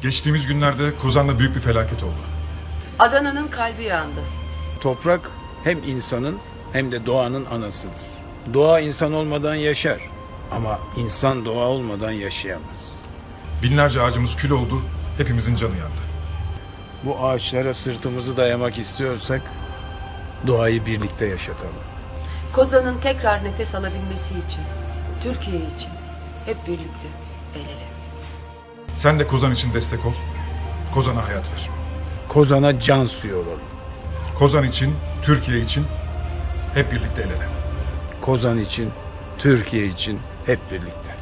Geçtiğimiz günlerde Kozan'da büyük bir felaket oldu. Adana'nın kalbi yandı. Toprak hem insanın hem de doğanın anasıdır. Doğa insan olmadan yaşar ama insan doğa olmadan yaşayamaz. Binlerce ağacımız kül oldu, hepimizin canı yandı. Bu ağaçlara sırtımızı dayamak istiyorsak doğayı birlikte yaşatalım. Kozan'ın tekrar nefes alabilmesi için, Türkiye için hep birlikte el ele. Sen de Kozan için destek ol, Kozan'a hayat ver. Kozana can suyu olalım. Kozan için, Türkiye için hep birlikte el ele. Kozan için, Türkiye için hep birlikte.